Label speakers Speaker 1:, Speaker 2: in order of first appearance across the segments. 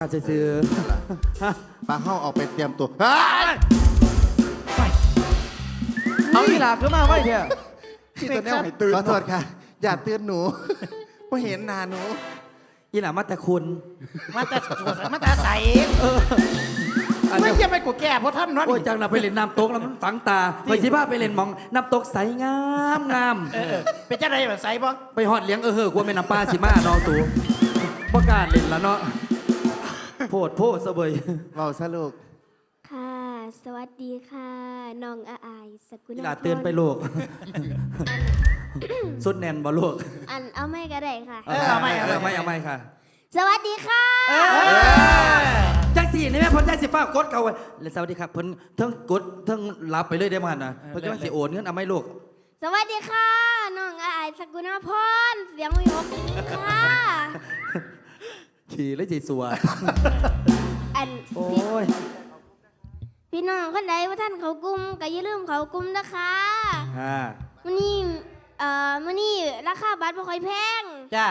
Speaker 1: การซื้อ
Speaker 2: ปลาเข้าออกไปเตรียมตัว
Speaker 1: เอาอีหลาขึ้นมาไว้เถอะ
Speaker 2: ที่ตัวแนวให้ตื่นขอโทษค่ะอย่าเตือนหนูเพราะเห็นหน้าหนู
Speaker 1: อีหลามาแต่คุณ
Speaker 3: มาแต่ใสไม่ใช่ไปกูแก่เพราะท่านนั่น
Speaker 1: โอ้ยจังนะไปเล่นน้ำตกแล้วมันฝังตาไปสิบ้าไปเล่นมองน้ำตกใสงามงาม
Speaker 3: เป็นเจ้าใดแบบใสบ่
Speaker 1: ไปหอดเลี้ยงกลัวเป็นน้ำปลาสิมาน้องสูประกล้าศเล่นแล้วเนาะโพดเสบย
Speaker 2: เบาซะลูก
Speaker 4: ค่ะ สวัสดีค่ะ น้องอายสกุล
Speaker 1: อีหลาเตือนไปลูกสุดแน่นบ่ลูก
Speaker 4: เอาไม่ก็ได้ค่ะ
Speaker 1: เอาไม่ค่ะ
Speaker 4: สวัสดีค่ะ
Speaker 1: จังสี่นี่แม่พ้นจังสิฟ้ากดเขาไว้แล้วสวัสดีครับเพิ่นทั้งกดทั้งรับไปเลยได้มั้ยนะเพิ่นจังสิโอนเงินเอาไหมลูก
Speaker 4: สวัสดีค่ะ น้องอายสกุลพรเสียงวิหกค่ะ
Speaker 1: ขี่เลยสิสัว
Speaker 4: อัน
Speaker 1: โอ้ย
Speaker 4: พี่น้องคนใดว่าท่านเขากลุ้มก็อย่าลืมเขากลุ้มนะคะ
Speaker 1: ฮะ
Speaker 4: มื้อนี้ราคาบัตรบ่ค่อยแพง
Speaker 3: จ้า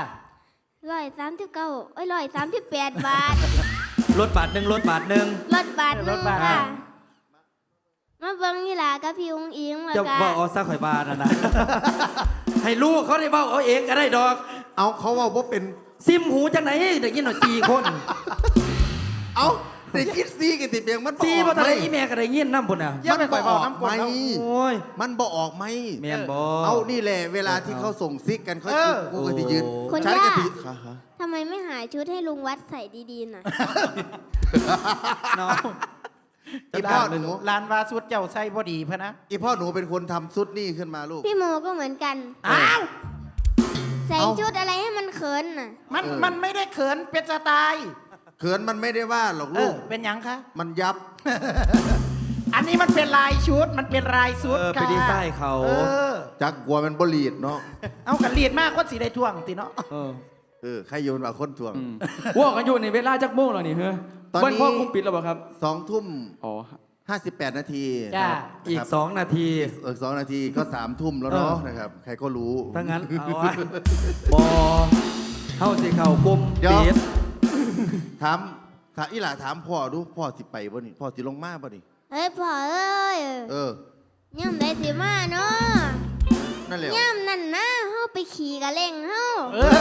Speaker 4: 139138 บาท
Speaker 1: รถบาทหนึ่ง
Speaker 4: รถบาทหนึงค่ะ มาเบิ่งนี่ล่ะกับพี่อุ้งอิงแล้ว
Speaker 1: จะ
Speaker 4: ก็
Speaker 1: บอกเอาซะข่อยบาทนะ ให้ลูกเขาได้บอกเอาเองก็ได้ดอก
Speaker 2: เอาเขาว่าเป็น
Speaker 1: ซิมหูจังไหนเด็กยินหน่อย4 คน
Speaker 2: เอาแต่คิดซีกันติเบียงมัน
Speaker 1: 4บ่ทันได้อีแม่ก็ได้ยินนำพุ่นน่ะ
Speaker 3: อย่าไปปล่อยบอกน้ำกรด
Speaker 2: ไม่
Speaker 3: เอา
Speaker 1: โอ้ย
Speaker 2: มันบ่ออกไหม
Speaker 1: แม่นบ่
Speaker 2: เอานี่แหละเวลาที่เขาส่งซิกกันเขากูก็จะยืน
Speaker 4: คน
Speaker 2: ฉัน
Speaker 4: ยา
Speaker 2: ก็
Speaker 4: ก
Speaker 2: จะ
Speaker 4: ทำไมไม่หาชุดให้ลุงวัดใส่ดีๆหน่อย
Speaker 1: เนาะ
Speaker 2: อีพ่อหนู
Speaker 3: ลานวาสุดเจ้าใส่บ่ดีพะนะ
Speaker 2: อีพ่อหนูเป็นคนทำซุดนี่ขึ้นมาลูก
Speaker 4: พี่โมก็เหมือนกัน
Speaker 3: อ้าว
Speaker 4: ใส่
Speaker 2: เอ้า
Speaker 4: ชุดอะไรให้มันเขินน่ะ
Speaker 3: มันไม่ได้เขินเป็นสไตล์
Speaker 2: เขินมันไม่ได้ว่าหรอกลูก
Speaker 3: เป็นหยังคะ
Speaker 2: มันยับ
Speaker 3: อันนี้มันเป็นลายชุดมันเป็นลายชุด
Speaker 1: ไป
Speaker 3: ค่ะ
Speaker 1: ดีไซน์เขา
Speaker 2: จักกลัวมันบลีดเนาะ
Speaker 3: เอากันลีดมากคนสีได้ท่วงติเนาะ
Speaker 2: ใครโยนว่าคนถ่วง
Speaker 5: ว่ากันอยู่ในเวลาจักโมงแล้วนี่เฮ้ย
Speaker 2: ตอนนี้
Speaker 5: เบิ้ลพ่อคุมปิดแล้วเปล่าครับ
Speaker 2: 2 ทุ่ม
Speaker 5: อ๋อ
Speaker 2: 58 นาที
Speaker 3: จ้า
Speaker 1: อีก2 นาที
Speaker 2: 2 นาทีก็3 ทุ่มแล้วเนาะนะครับ ใครก็รู้
Speaker 1: ถ้างั้นเอาไว้บอเข้าสิเข่ากลม
Speaker 2: เดี๋ยว
Speaker 1: เบียด
Speaker 2: ถามอีหล่าถามพ่อดูพ่อสิไปบ่นี่พ่อสิลงมาบ่นี่
Speaker 4: เฮ้ยพ่อเอ้ย
Speaker 2: เออ
Speaker 4: ย่ำได้สิมาเนาะ
Speaker 2: นั่นแหละ
Speaker 4: ย่ำนั่นนะเฮาไปขี่กะเล่งเฮา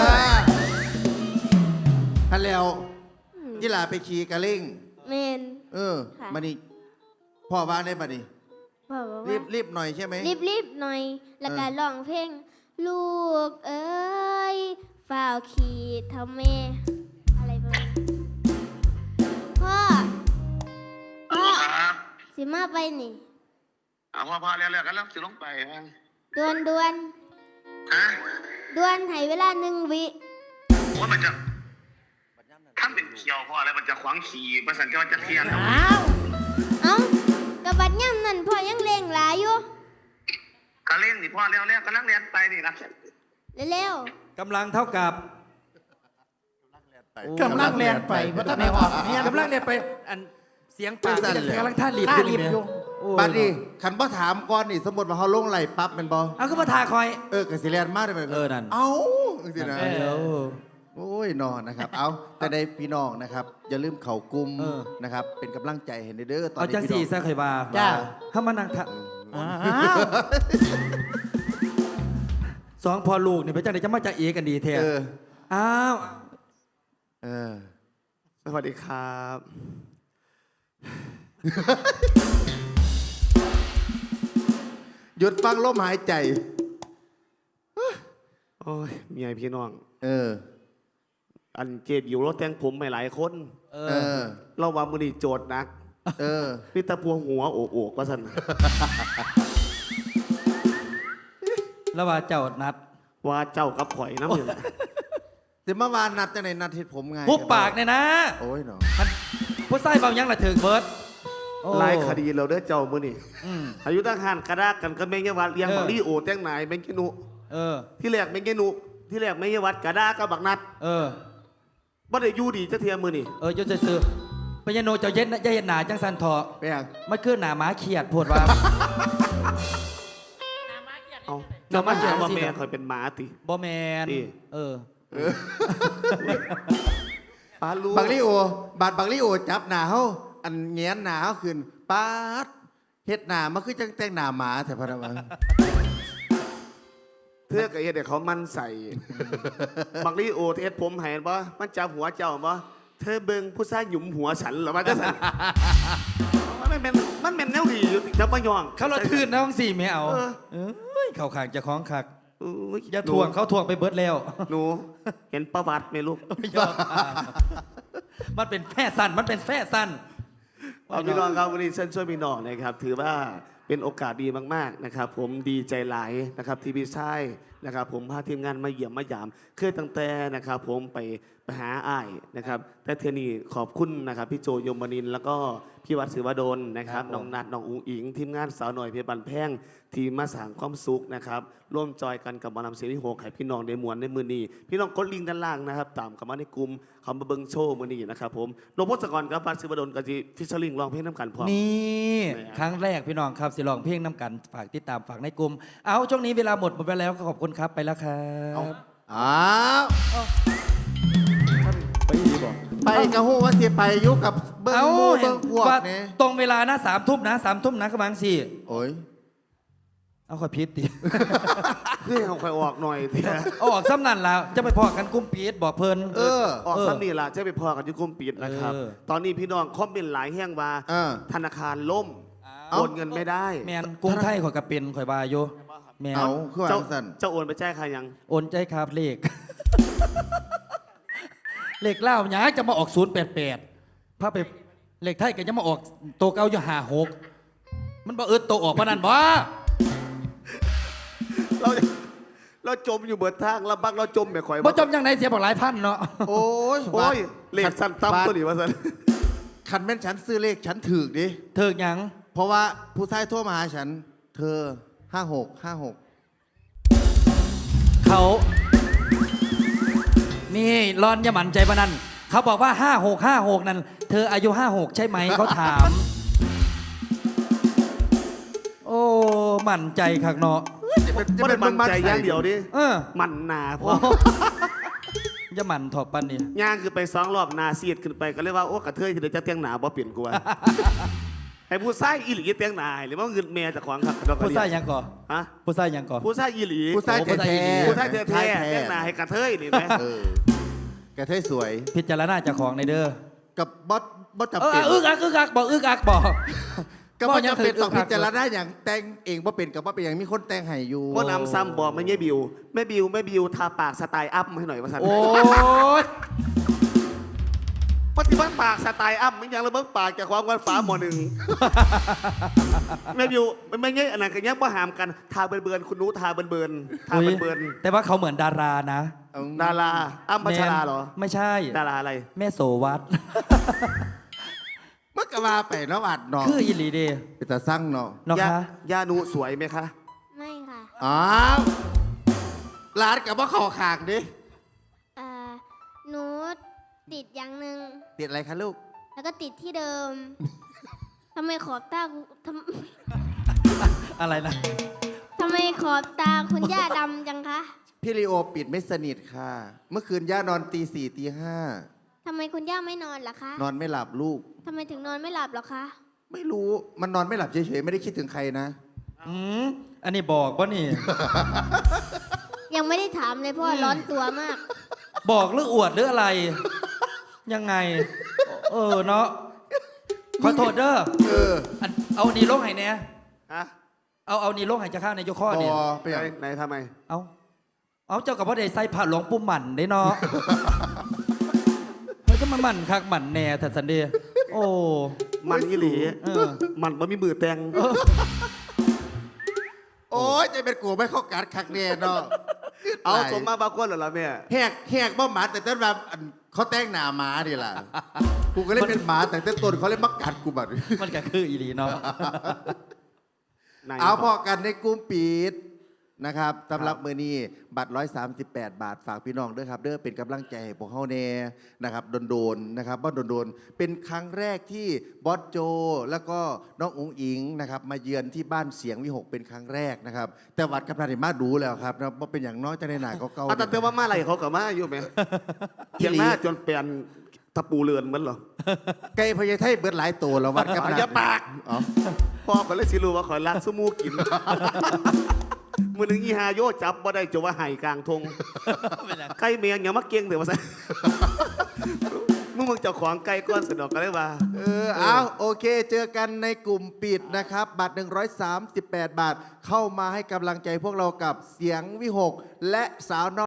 Speaker 2: ฮันแล้วอีหล่าไปขี่กระเล่ง
Speaker 4: เมน ค่ะ
Speaker 2: มานี่พ่อว่าได้บ่นี่
Speaker 4: พ่อบอก
Speaker 2: รี
Speaker 4: ว่า
Speaker 2: บรีบหน่อยใช่ไหม
Speaker 4: รีบหน่อย แล้วก็ร้องเพลง ลูกเอ้ยฝ่าวขี่ทำแม่อะไรประมาณนี้พ่อสิมาไปนี่
Speaker 6: เอาพอแล้วกันแล้วสิลงไปฮะ
Speaker 4: ดวน
Speaker 6: ฮะ
Speaker 4: ให้เวลา1 วิ
Speaker 6: ว่ามันจะทำเป็นเขียวพออะไรมันจะขวางขี่ประสันจะเทียน
Speaker 3: อ้าว
Speaker 4: เอ้ากระบัดย่ำนั่นพ่อยังเล่งหลายอยู่
Speaker 6: ก็เล่นนี่พ่อแล้วก็นักเรียนไปนี่นะ
Speaker 4: เร็ว
Speaker 1: กำลังเท่ากับ
Speaker 3: กำลังแลนไปเพราะถ้าไม่ออกเนี่ย
Speaker 1: กำลังเนี่ยไปอันเสียงปาก
Speaker 2: สั่นเลย
Speaker 1: กำลังท่ารีบ
Speaker 3: ท่า
Speaker 1: อยู่
Speaker 3: รีบ
Speaker 1: นี่
Speaker 3: อยู่
Speaker 1: โอ้
Speaker 2: บัดนี้คันบ่ถามก่อนนี่สมมุติว่าเฮาลงไหลปั๊บแม่นบ่
Speaker 1: เอาก็มาทาคอย
Speaker 2: ก็สิแล่นมาได้ไหม
Speaker 1: นั่น
Speaker 2: เอ้าจังซี่นะ
Speaker 1: เดี๋ยว
Speaker 2: โอ้ยนอนนะครับ เอาแต่ในพี่น้องนะครับ อย่าลืมเข่ากลุ่ม
Speaker 1: เออ
Speaker 2: นะครับ เป็นกำลังใจให้เด้อตอน
Speaker 1: เอา
Speaker 2: นี้
Speaker 1: จัง
Speaker 2: พี่
Speaker 1: สี่
Speaker 2: น้อง
Speaker 1: ซะเคยบา
Speaker 3: จ้า
Speaker 1: ถ้ามานั่งทะ
Speaker 3: อ้าว
Speaker 1: สองพอลูกเนี่ยไปจังไหนจะมาจากเอกันดีแท้
Speaker 2: เออ
Speaker 1: อ้าว
Speaker 2: เออ
Speaker 5: สวัสดีครับ
Speaker 2: หยุดฟังลมหายใจ
Speaker 5: โอ้ยเมียพี่น้อง
Speaker 2: เออ
Speaker 5: อันเจ็บอยู่รถแต่งผมไม่หลายคน
Speaker 1: เอ
Speaker 2: เอ
Speaker 1: อ
Speaker 2: อ
Speaker 5: เราว่ามือนี่โจทย์หนัก
Speaker 2: เออ
Speaker 5: พี่ตะพวงหัวโอกว่าสัน
Speaker 1: แล้วว่าเจ้านัด
Speaker 5: ว่าเจ้ากับข่อยน้ำหนึ่ง
Speaker 2: เดี๋ยวเมื่อวานนัดจะไหนนัดเห็ดผมไง
Speaker 1: หุบปากเนี่ยนะ
Speaker 2: โอ้ยเนาะ
Speaker 1: ผู้ใส่เบายังละถึงเบิร์ดโอ้
Speaker 5: หลายคดีเราเด้อเจ้ามือนี่
Speaker 1: อืม
Speaker 5: อายุตั้งหันกระดากกันก็แมงยวัดเลี้ยง
Speaker 1: เออ
Speaker 5: บักลี่โอแต่งไหนายแมงกินุ
Speaker 1: เออ
Speaker 5: ที่แรกแมงกินุที่แรกแมงยวัดกระดากกับบักนัด
Speaker 1: เออ
Speaker 5: บ่ได้อยู่ดีจะเทียมมือนี่
Speaker 1: เออจะซื้อพญาโนเจ้าเย็นนะจะเย็นหนาจังสันทอ
Speaker 2: ไปยัง
Speaker 1: มันคือหนาหมาเขียดโพดว่า
Speaker 5: เอา
Speaker 1: เจ้ามาเขียน
Speaker 5: ว่า
Speaker 1: สิ
Speaker 5: แม่ข่อยเป็นหมาติ
Speaker 1: บอแมน
Speaker 5: นี่
Speaker 1: เออ
Speaker 5: ปาลู
Speaker 2: บักลิโอบาดบักลิโอจับหนาเฮาอันแงนหนาเฮาขึ้นปาดเฮ็ดหนามันคือจังแต่งหนาหมาแต่พะนะวะ
Speaker 5: เธอกับเฮ็ดให้เขามันใส่บักลี่โอเฮ็ดผมให้บ่มันจับหัวเจ้าบ่เธอเบิ่งผู้ชายหยุมหัวฉันเหรอมันจะสั่นมันเป็นแนวดีอยู่ติจับบ่ยอง
Speaker 1: เขาเราทื่นนะทั้งสี่ไม่เอา
Speaker 5: เออ
Speaker 1: เอ้ยเขาขางจะคล้องคัก
Speaker 5: อุ๊ย
Speaker 1: อย่าทวงเขาทวงไปเบิดแล้ว
Speaker 5: หนูเห็นประวัติไหมลูก
Speaker 1: มันเป็นแพร่สั้นมันเป็นแพร่สั้น
Speaker 5: เอาพี่น้องครับวันนี้เชิญช่วยพี่น้องนะครับถือว่าเป็นโอกาสดีมากๆนะครับผมดีใจหลายนะครับที่พี่ชายนะครับผมพาทีมงานมาเยี่ยมมายามเคยตั้งแต่นะครับผมไปหาอ้ายนะครับแต่เทอนี้ขอบคุณนะครับพี่โจยมนินทร์แล้วก็พี่วัดศิวดลนะครับน้องนัดน้องอุ๋งอิงทีมงานสาวหน่อยเพชรบันแพงทีมมาสร้างความสุขนะครับร่วมจอยกันกับหมอลำเสียงที่6ให้พี่น้องได้มวนในมือนี้พี่น้องกดลิงก์ด้านล่างนะครับตามกับมาในกลุ่มเขามาเบิ้งโชว์มือนี้นะครับผมหลวงพ่อสกรกับวัดศิวดลก็จะฟิชเชอร์ลิงร้องเพลงน้ำกันพร้อม
Speaker 1: นี่ครั้งแรกพี่น้องครับสิลองเพลงน้ำกันฝากติดตามฝากในกลุ่มเอาช่วงนี้เวลาหมดไปแล้วก็ขอบคุณครับไปแล้วครับ
Speaker 2: อ้าว
Speaker 5: ไปดีบอก
Speaker 2: ไปกะฮู้ว่าสิไปอยู่กับเบิ่ง
Speaker 1: เอา
Speaker 2: หมู่
Speaker 1: เห็
Speaker 2: เบิ่
Speaker 1: น
Speaker 2: งพวก
Speaker 1: ว่า
Speaker 2: นี่
Speaker 1: ตรงเวลานะ3 ทุ่มนะ3 ทุ่มนะกำลังสี่
Speaker 2: โอ้ย
Speaker 1: เอาค่อยพิษดิ
Speaker 5: เพื่อให้เขาคอยออกหน่อยที
Speaker 1: เอาออกซ้ำนั่นแล้วจะไปพอกันกุ้มปีดบอกเพลิน
Speaker 2: เออ
Speaker 5: ออกซ้ำนี่ล่ะจะไปพอกันที่กลุ่มปิดนะครับ
Speaker 1: เออ
Speaker 5: ตอนนี้พี่น้องคอมเมนต์หลายแห้งว่า
Speaker 2: เออ
Speaker 5: ธนาคารล่ม
Speaker 2: เอ้า
Speaker 5: โอนเงินไม่ได้
Speaker 1: แมนกรุงไทยข่อยกระเป็นข่อยบาอยู่แมน
Speaker 2: เอาคือว่า
Speaker 5: เจ้า
Speaker 2: สั่น
Speaker 5: เจ้าโอนไปแจ้งใครยัง
Speaker 1: โอนใจครับเลข เลขเล่าหยาจะมาออก088พาไปเลขไทยก็จะมาออกโตวเก่าอยู่56มันบ่เอิดโตวออกปานนั้นบ่
Speaker 5: เราเราจมอยู่เบิดทางลำบักเราจมแบบข่อย
Speaker 1: บ่จมยังไงเสียบอกหลายพันเนาะ
Speaker 2: โอ้ย
Speaker 5: โอ้ยเลขสั้นตั้มตัวนี้ว่าสั้น
Speaker 2: คันแม่นฉันซื้อเลขฉันถูกดิ
Speaker 1: เถิกหยัง
Speaker 2: เพราะว่าผู้ชายโทรมาหาฉัน เธอ 56
Speaker 1: เขา นี่รอนอย่าหมั่นใจปะนั่นเขาบอกว่า56นั่นเธออายุ56ใช่ไหมเขาถาม โอ้หมั่นใจคักเนาะ
Speaker 5: ไม่ได้มั่นใจอย่างเดียวดิ
Speaker 1: เออ
Speaker 5: มันหนาพอ
Speaker 1: อย่าหมั่นถอดปันนี่
Speaker 5: ย่างคือไป2 รอบหนาเสียดขึ้นไปก็เรียกว่าโอ้กระเทยที่เดี๋ยวจะเตียงหนาบ่เปลี่ยนกูว่า ให้ผู้ชายอีหลีเตียงหนาหรือว่าเงินเมียจากขวางครับ
Speaker 1: ผู้ชายหยังก่อ
Speaker 5: ฮะ
Speaker 1: ผู้ชายหยังก่อ
Speaker 5: ผู้ชายอีหลี
Speaker 2: ผู้ชาย
Speaker 1: โอ้
Speaker 2: แท้ๆ
Speaker 5: ผู้ชายแท้ๆเตียงหนาให้กระเทยนี่ไหม
Speaker 2: เออแกเทยสวย
Speaker 1: พิจารณาเจ้าของในเด้อ
Speaker 2: กับบอสจำ
Speaker 1: เออ
Speaker 2: เป็น
Speaker 1: อึกอักบอกอึกอักบอก
Speaker 2: ก็บ่จำเป็น
Speaker 1: บ่ยัง
Speaker 2: ต้องพิจารณาอย่างแต่งเองบ่เป็นกับว่าเป็นอย่างมีคนแต่งให้อยู่
Speaker 5: ว่านำซ้ำบอกไม่ใช่บิวแม่บิวทาปากสไตล์อัพให้หน่อยว่าสัน
Speaker 1: โอ้ย
Speaker 5: ปฏิบัติปากสไตล์อัพมันยังระเบิดปากจากความวันฟ้าหมอหนึ่ง แม่บิวไม่ใช่อันนั้นกันยังบ่หามกันทาเบิร์นคุณนู้ทาเบิร์นทาเบิร์น
Speaker 1: แต่ว่าเขาเหมือนดารานะ
Speaker 5: ดาราอ้ำพัชราเหรอ
Speaker 1: ไม่ใช่
Speaker 5: ดาราอะไร
Speaker 1: แม่โสวัต
Speaker 2: เมื่อกว่าไปเนาะอัดเนาะ
Speaker 1: คืออีหลีเด
Speaker 2: เป็นตาสั่งเนาะ
Speaker 1: เนาะคะ
Speaker 5: ยานูสวยไหมคะ
Speaker 4: ไม่ค่ะ
Speaker 2: อ้าวร้านกับว่าขอขากดิ
Speaker 4: อ่าหนูติดอย่างหนึ่ง
Speaker 2: ติดอะไรคะลูก
Speaker 4: แล้วก็ติดที่เดิม ทำไมขอบตา
Speaker 1: อะไรนะ
Speaker 4: ทำไมขอบตาคุณย่าดำจังคะ
Speaker 2: พี่ลีโอปิดไม่สนิทค่ะ เมื่อคืนย่านอนตี 4ตี
Speaker 4: ทำไมคุณย่าไม่นอนล่ะคะ
Speaker 2: 5นอนไม่หลับลูก
Speaker 4: ทำไมถึงนอนไม่หลับหรอคะ
Speaker 2: ไม่รู้มันนอนไม่หลับเฉยๆไม่ได้คิดถึงใครนะ
Speaker 1: อืมอันนี้บอกป่ะนี่
Speaker 4: ยังไม่ได้ถามเลยเพราะว่าร้อนตัวมาก
Speaker 1: บอกหรืออวดหรืออะไร ยังไง เออเนาะขอโทษเด้อ
Speaker 2: เออ
Speaker 1: อันเอานี่ลงให้เนี่ย
Speaker 5: ฮะ
Speaker 1: เอานี่ลงให้จะข้าวในยกข้อเนี่ย
Speaker 2: ไปอย่าง
Speaker 5: ไหนทำไม
Speaker 1: เอาเจ้ากับพ่อเดชใส่ผ้าหลวงปู่หมันได้เนาะ เฮ้ยก็มันหมันคักหมันแน่แต่สันเดย์โอ้
Speaker 5: มันอีหลี
Speaker 1: เออ
Speaker 5: มันบ่มีมือแตง
Speaker 2: โอ้ยจะเป็นกูไม่เข้ากัดคักแน่เนาะ
Speaker 5: เอาสมมาบางคนเหรอล่ะแม่
Speaker 2: แหกบ่หมาแต่ต้นแบบเขาแต่งหน้าหมาดิล่ะ กูก็เลยเป็นหมาแต่ต้นเขาเลยมากัดกูแบบ
Speaker 1: มันก็คืออีหลีเนาะ
Speaker 5: ไหน
Speaker 2: เอาพอกันในกลุ่มปิดนะครับสำหรับมือนี้บัตร138 บาทฝากพี่น้องด้วยครับเด้อเป็นกำลังใจให้พวกเขาแน่นะครับโดนๆนะครับว่าโดนๆเป็นครั้งแรกที่บอสโจ แล้วก็น้องอุ๋งอิงนะครับมาเยือนที่บ้านเสียงวิหกเป็นครั้งแรกนะครับแต่วัดกับนาริมาดูแล้วครับนะว่าเป็นอย่างน้อยจะในหนาเก่า
Speaker 5: เอาแต่ว่ามาอะไรเขากับมาอยู่ไหมเถียงหน้าจนเปลี่ยนถถ้าปูเรือนมันเหรอ
Speaker 2: ไก่พญาไทเบิดหลายตัวแล้ววัดกับ
Speaker 5: อย่าปาก
Speaker 2: อ๋อ
Speaker 5: พ่อขอยเลยสิรู้ว่าขอยรักสมูกิน มือหนึ่งอีฮาโยจับบ่ได้จะว่าไห่กลางทงไก่เมียงอย่ามาเก่งเดี๋ยวมาใส่ มึงเจ้าของไก่ก้อนสนอกกันเลยว่า
Speaker 2: เอาโอเค เจอกันในกลุ่มปิดนะครับ บัตร 138 บาท เข้ามาให้กำลังใจพวกเรากับเสียงวิหกและสาวน้อย